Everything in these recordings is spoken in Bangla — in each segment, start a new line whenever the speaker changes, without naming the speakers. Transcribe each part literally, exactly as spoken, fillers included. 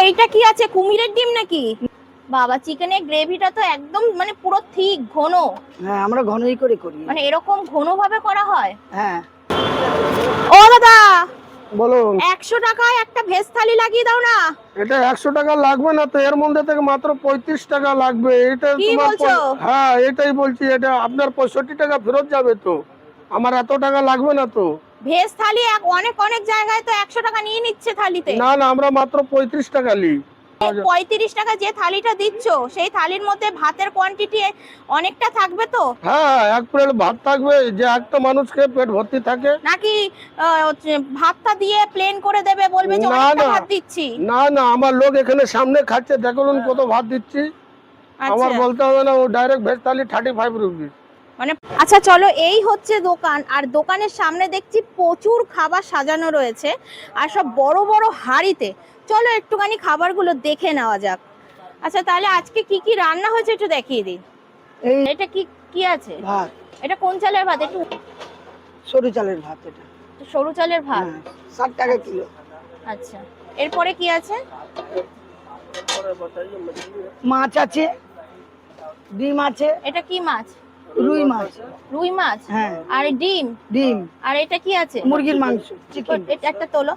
এইটা কি আছে, কুমিরের ডিম নাকি? বাবা, চিকেনের গ্রেভিটা তো একদম মানে পুরো ঠিক ঘন।
হ্যাঁ, আমরা ঘনই করে করি।
মানে এরকম ঘন ভাবে করা হয়?
হ্যাঁ।
ও দাদা,
বলুন।
একশো টাকায় একটা ভেজ থালি লাগিয়ে দাও না।
এটা একশো টাকা লাগবে না তো, এর মধ্যে থেকে মাত্র পঁয়ত্রিশ টাকা লাগবে। এটা
কি
তোমার
বলছো?
পঁয়- হ্যাঁ, এটাই বলছি। এটা আপনার পঁয়ষট্টি টাকা ফেরত যাবে তো, আমার এত টাকা লাগবে না তো।
ভেজ থালি এক অনেক অনেক জায়গায় তো একশো টাকা নিয়ে নিচ্ছে থালিতে।
না না, আমরা মাত্র পঁয়ত্রিশ টাকা নিই।
পঁয়ত্রিশ টাকা যে থালিটা দিচ্ছ, সেই থালির মধ্যে ভাতের কোয়ান্টিটি অনেকটা থাকবে তো?
হ্যাঁ, এক প্লেট ভাত থাকবে, যে একটা মানুষকে পেট ভর্তি থাকে।
নাকি আহ, হচ্ছে ভাতটা দিয়ে প্লেন করে দেবে, বলবে যে
না
অনেকটা
না
ভাত দিচ্ছি?
না না, আমার লোক এখানে সামনে খাচ্ছে, দেখুন কত ভাত দিচ্ছি। আমার
আচ্ছা,
বলতে হবে না, ও direct veg thali thirty five rupees.
মানে আচ্ছা চলো, এই হচ্ছে দোকান, আর দোকানের সামনে দেখছি প্রচুর খাবার সাজানো রয়েছে, আর সব বড় বড় হাঁড়িতে। চলো একটুখানি খাবারগুলো দেখে নেওয়া যাক। আচ্ছা, তাহলে আজকে কি কি রান্না হয়েছে একটু দেখিয়ে দিন।
এই
এটা কি কি আছে?
ভাত,
এটা কোন চালের ভাত? একটু
সরু চালের ভাত। এটা
সরু চালের ভাত।
হ্যাঁ, ষাট টাকা কিলো।
আচ্ছা, এরপরে কি আছে?
মাছ আছে, ডিম আছে।
এটা কি মাছ?
রুই মাছ।
রুই মাছ।
হ্যাঁ।
আর ডিম।
ডিম।
আর এটা কি আছে?
মুরগির মাংস, চিকেন।
এটা একটা তোলো।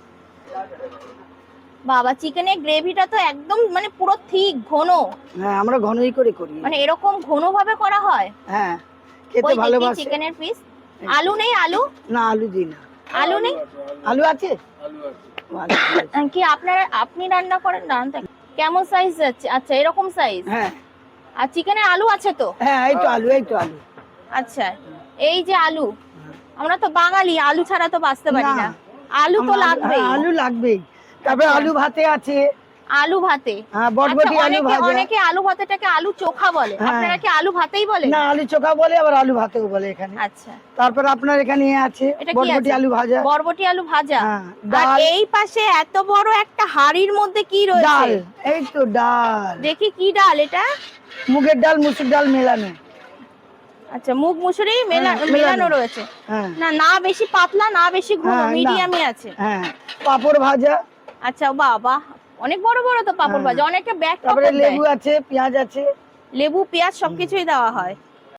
বাবা, চিকেনের গ্রেভিটা তো একদম মানে পুরো ঠিক ঘন।
হ্যাঁ, আমরা ঘনই করে করি।
মানে এরকম ঘন ভাবে করা হয়?
হ্যাঁ, খেতে ভালোবাসে।
চিকেনের পিস। আলু নেই? আলু
না, আলু দিই না।
আলু নেই?
আলু আছে। ও, আলু আছে।
কি আপনারা আপনি রান্না করেন? রান্না কেমন সাইজ যাচ্ছে? আচ্ছা, এরকম সাইজ।
হ্যাঁ
আর চিকেনের আলু আছে তো?
হ্যাঁ, এই তো আলু, এই তো আলু।
আচ্ছা, এই যে আলু, আমরা তো বাঙালি, আলু ছাড়া তো বাঁচতে পারি না।
না।
আলু তো
আমরা-
লাগবেই।
হ্যাঁ, আলু লাগবেই। তারপরে
আচ্ছা।
আলু ভাতে আছে।
আলু ভাতে।
হ্যাঁ, বটবটি
আচ্ছা,
আলু
অনেকে
ভাজা।
অনেকে আলু ভাতেটাকে আলু চোখা বলে,
হ্যাঁ।
আপনারা কি আলু ভাতেই বলেন?
না, আলু চোখা বলে, আবার আলু ভাতেও বলে এখানে।
আচ্ছা,
তারপর আপনার এখানে এ আছে
এটা কি
বটবটি
আছে?
আলু ভাজা।
বরবটি আলু ভাজা।
হ্যাঁ,
আর
ডাল।
এই পাশে এত বড় একটা হাঁড়ির মধ্যে কি
ডাল,
রয়েছে?
এই তো ডাল।
দেখি কি ডাল এটা?
মুগের ডাল, মুসুর ডাল মেলানো।
আচ্ছা, মুগ মুসুরি মেলা-
হ্যাঁ,
মেলানো
মেলানো।
রয়েছে।
হ্যাঁ
না না বেশি পাতলা, না বেশি ঘন,
হ্যাঁ, না।
মিডিয়ামে আছে।
হ্যাঁ, পাঁপড় ভাজা।
আচ্ছা, বাবা, অনেক বড় বড় তো পাপড়
হ্যাঁ।
ভাজা, অনেকে ব্যাগ
তারপরে
পকেট দেয়।
লেবু আছে, পেঁয়াজ আছে।
লেবু, পেঁয়াজ সবকিছুই দেওয়া হয়।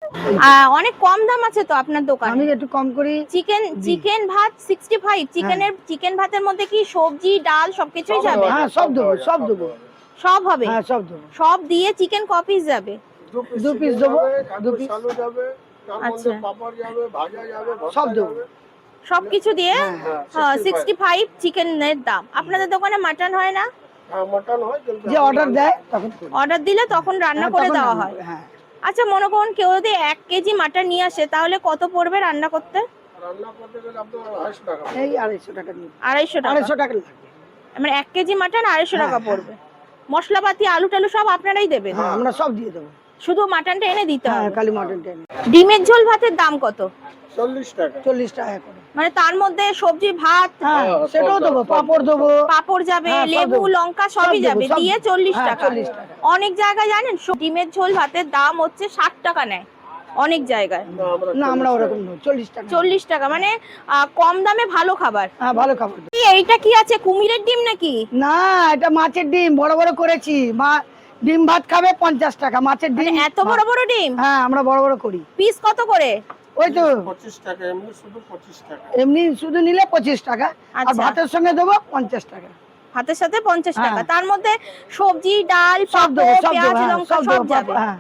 আহ, অনেক কম দাম আছে তো আপনার দোকানে।
আমি একটু কম করি।
চিকেন চিকেন ভাত ষাট পাঁচ। চিকেনের চিকেন ভাতের মধ্যে কি সবজি, ডাল সবকিছুই যাবে?
হ্যাঁ, সব দেবো, সব দেবো।
সব হবে?
হ্যাঁ, সব দেবো।
সব দিয়ে চিকেন ক পিস যাবে?
দু পিস দেবো, দু পিস।
আলু যাবে, তার মধ্যে
আচ্ছা।
পাপড় যাবে, ভাজা যাবে, ভর্তা
সব দেবো।
যাবে।
সবকিছু দিয়ে
হ্যাঁ,
ষাট পাঁচ চিকেনের দাম। আপনাদের দোকানে মাটন হয় না?
হ্যাঁ, মটন হয়, কিন্তু
যে অর্ডার দেয় তখন করি।
অর্ডার দিলে তখন রান্না
হ্যাঁ,
করে
তখন
দেওয়া
রান্না
হয়?
করি, হ্যাঁ।
আচ্ছা, মনে করুন কেউ যদি এক কেজি মাটন নিয়ে আসে, তাহলে কত পড়বে রান্না করতে?
রান্না করতে গেলে আপনার আড়াইশো টাকা।
এই আড়াইশো টাকা নিয়ে।
আড়াইশো টাকা।
আড়াইশো টাকা লাগবে।
মানে এক কেজি মাটন আড়াইশো
হ্যাঁ,
টাকা পড়বে। মশলাপাতি, আলু টালু সব আপনারাই দেবেন?
হ্যাঁ, আমরা সব দিয়ে দেবো।
শুধু মাটনটা এনে দিতে
হ্যাঁ,
হবে?
কালী মটন টেনে
ডিমের ঝোল ভাতের দাম কত?
চল্লিশ টাকা।
চল্লিশ টাকা করে।
মানে তার মধ্যে সবজি, ভাত,
হ্যাঁ,
হ্যাঁ,
সেটাও
সব
দেবো,
দেবো,
পাঁপড় দেবো।
পাঁপড় যাবে,
হ্যাঁ, সব
লেবু,
দেবো।
লঙ্কা
সব
সবই
দেবো,
যাবে,
সব
দিয়ে
দেবো।
চল্লিশ
হ্যাঁ,
টাকা।
চল্লিশ টাকা।
অনেক জায়গায় জানেন ডিমের ঝোল ভাতের দাম হচ্ছে ষাট টাকা নেয়, অনেক জায়গায়।
না, আমরা
না, আমরা
চল্লিশ
ওরকম নয়, চল্লিশ টাকা।
চল্লিশ টাকা মানে আহ, কম দামে ভালো খাবার।
হ্যাঁ, ভালো খাবার দেবো।
কি এইটা কি আছে, কুমিরের ডিম নাকি?
না, এটা মাছের ডিম, বড় বড় করেছি। মা ডিম ভাত খাবে পঞ্চাশ টাকা, মাছের
মানে
ডিম।
এত বড় বড় ডিম?
হ্যাঁ, আমরা বড় বড় করি।
পিস কত করে?
ওই তো
পঁচিশ টাকা, এমনি শুধু পঁচিশ টাকা।
এমনি শুধু নিলে পঁচিশ টাকা, আর
আচ্ছা।
ভাতের সঙ্গে দেবো পঞ্চাশ টাকা।
ভাতের সাথে পঞ্চাশ টাকা,
হ্যাঁ।
তার মধ্যে সবজি, ডাল,
সব দেবো,
পাঁপড়,
সব
পেঁয়াজ,
দেবো, হ্যাঁ,
লঙ্কা
সব
সব
দেবো।
যাবে।
হ্যাঁ,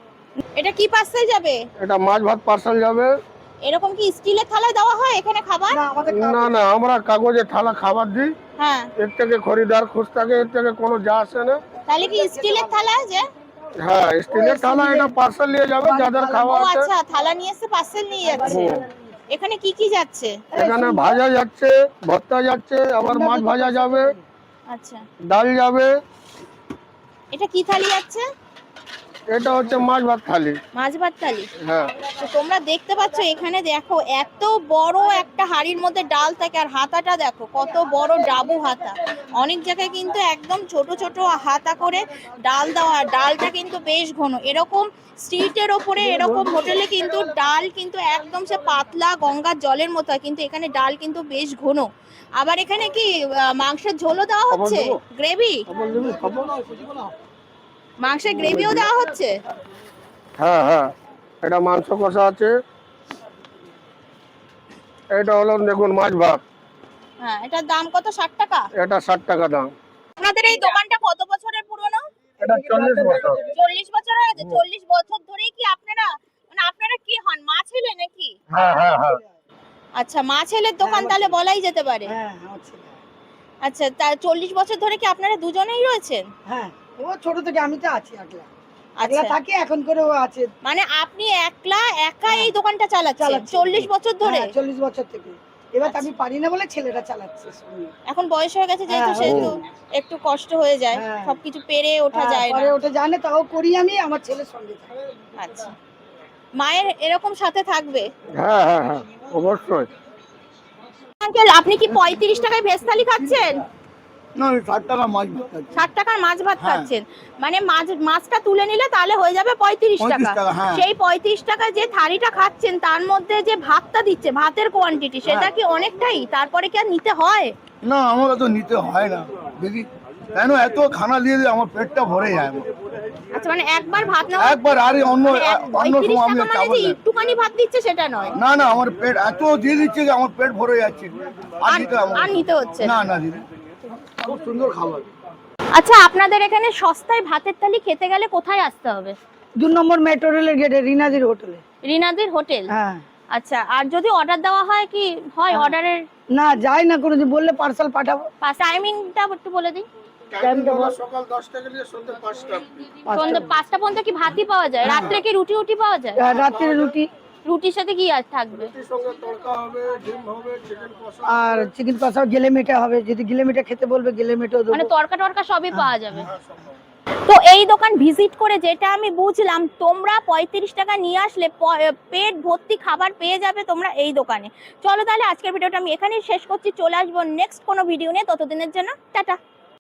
এটা কি পার্সেল যাবে?
এটা মাছ ভাত পার্সেল যাবে।
এরকম কি স্টিলের থালায় দেওয়া হয় এখানে খাবার?
না, আমাদের
না না, আমরা কাগজে থালা খাবার দিই।
হ্যাঁ,
এর থেকে খরিদার খুশ থাকে, এর থেকে কোনো যা আসে না।
তাহলে কি স্টিলের থালা যে?
হ্যাঁ, স্টিলের থালা, এটা পার্সেল নিয়ে যাবে যাদের
ও
খাওয়া আছে।
আচ্ছা, থালা নিয়ে এসে পার্সেল নিয়ে যাচ্ছে।
হুম।
এখানে কি কি যাচ্ছে?
এখানে ভাজা যাচ্ছে, ভর্তা যাচ্ছে, আবার মাছ ভাজা যাবে,
আচ্ছা,
ডাল যাবে।
এটা কি থালি যাচ্ছে?
এটা হচ্ছে মাছ ভাত থালি।
মাছ ভাত থালি।
হ্যাঁ
তো তোমরা দেখতে পাচ্ছ এখানে দেখো এত বড় একটা হাঁড়ির মধ্যে ডাল থাকে আর হাতাটা দেখো কত বড় ডাবু হাতা। অনেক জায়গায় কিন্তু একদম ছোট ছোট হাতা করে ডাল দেওয়া, ডালটা কিন্তু বেশ ঘন। এরকম স্ট্রিটের ওপরে এরকম হোটেলে কিন্তু ডাল কিন্তু একদম সে পাতলা গঙ্গার জলের মতো হয়, কিন্তু এখানে ডাল কিন্তু বেশ ঘন। আবার এখানে কি আহ, মাংসের ঝোলও দেওয়া হচ্ছে, গ্রেভি, মাংসের গ্রেভিও দেওয়া হচ্ছে।
হ্যাঁ হ্যাঁ, এটা মাংস কষা আছে। এটা হলো দেখুন মাছ ভাত,
হ্যাঁ, এটার দাম কত? ষাট টাকা।
এটা ষাট টাকা দাম।
আপনাদের এই দোকানটা কত বছরের পুরনো?
এটা চল্লিশ বছর।
চল্লিশ বছর হয়ে গেছে। চল্লিশ বছর ধরেই কি আপনারা, মানে আপনারা কি হন, মা ছেলে নাকি?
হ্যাঁ হ্যাঁ হ্যাঁ।
আচ্ছা, মা ছেলের দোকান তাহলে বলাই যেতে পারে।
হ্যাঁ আমার ছেলে।
আচ্ছা, তা চল্লিশ বছর ধরে কি আপনারা দুজনেই রয়েছেন?
হ্যাঁ, ও ছোট থেকে, আমি তো আছি একলা। একলা
আচ্ছা,
থাকি, এখন করে ও আছে।
মানে আপনি একলা একা এই দোকানটা চালাচ্ছেন
চালাচ্ছি।
চল্লিশ বছর ধরে?
হ্যাঁ, চল্লিশ বছর থেকে। এবার তো আমি পারি না বলে ছেলেটা চালাচ্ছে সঙ্গে।
এখন বয়স হয়ে গেছে যেহেতু,
হ্যাঁ,
সেহেতু একটু কষ্ট হয়ে যায়,
হ্যাঁ।
সবকিছু পেরে ওঠা
হ্যাঁ,
যায় না।
পরে ওটা জানে, তাও করি আমি, আমার ছেলের সঙ্গে থাকি।
আচ্ছা, মায়ের এরকম সাথে থাকবে।
হ্যাঁ হ্যাঁ হ্যাঁ, অবশ্যই।
আঙ্কেল, আপনি কি পঁয়ত্রিশ টাকায় ভেজ থালি খাচ্ছেন?
না, ষাট টাকা মাছ ভাত খাচ্ছি।
ষাট টাকার মাছ ভাত
হ্যাঁ।
খাচ্ছেন, মানে মাছ মাছটা তুলে নিলে তাহলে হয়ে যাবে পঁয়ত্রিশ টাকা।
পঁয়ত্রিশ টাকা, হ্যাঁ।
সেই পঁয়ত্রিশ টাকায় যে থালিটা খাচ্ছেন তার মধ্যে যে ভাতটা দিচ্ছে, ভাতের কোয়ান্টিটি সেটা
হ্যাঁ।
কি অনেকটাই? তারপরে কি আর নিতে হয়?
না, আমার তো নিতে হয় না দিদি, কেন এত খানা দিয়ে দিয়ে আমার পেটটা ভরে যায় আমার।
আচ্ছা, মানে একবার ভাত নেওয়া,
একবার আরে অন্য
মানে এক-
অন্য
পঁয়ত্রিশ
সময় আমি
টাকা মানে
চাবল
যে
না।
একটুখানি ভাত দিচ্ছে সেটা নয়,
না না, আমার পেট এত দিয়ে দিচ্ছে যে আমার পেট ভরে যাচ্ছে, আর
আর
দিতে হবে
আর নিতে হচ্ছে না।
না না দিদি, খুব সুন্দর খাবার।
আচ্ছা, আপনাদের এখানে সস্তায় ভাতের থালি খেতে গেলে কোথায় আসতে হবে?
দু নম্বর মেট্রো রেলের গেটে, রিনাদির হোটেলে।
রিনাদির হোটেল।
হ্যাঁ।
আচ্ছা, আর যদি অর্ডার দেওয়া হয় কি হয়? অর্ডারের
না, যাই না, কোনো দিন বললে পার্সেল পাঠাবো।
টাইমিংটা একটু বলে দিন।
টাইমটা হলো সকাল দশটা থেকে সন্ধ্যে পাঁচটা।
সন্ধ্যে পাঁচটা পর্যন্ত কি ভাতই পাওয়া যায়? রাত্রে কি রুটি উটি পাওয়া যায়?
আর রাত্রে রুটি
রুটির সাথে কি আর থাকবে?
রুটির সঙ্গে তড়কা হবে, ডিম হবে, চিকেন কষা।
আর চিকেন কষাও, গেলে মেটে হবে, যদি গেলে মেটে খেতে বলবে গেলে মেটেও
মানে
দেবো।
তরকা টরকা সবই পাওয়া যাবে। তো এই দোকান ভিজিট করে যেটা আমি বুঝলাম, তোমরা পঁয়ত্রিশ টাকা নিয়ে আসলে প- পেট ভর্তি খাবার পেয়ে যাবে তোমরা এই দোকানে। চলো তাহলে আজকের ভিডিওটা আমি এখানেই শেষ করছি, চলে আসবো নেক্সট কোনো ভিডিও নিয়ে, ততদিনের জন্য টাটা।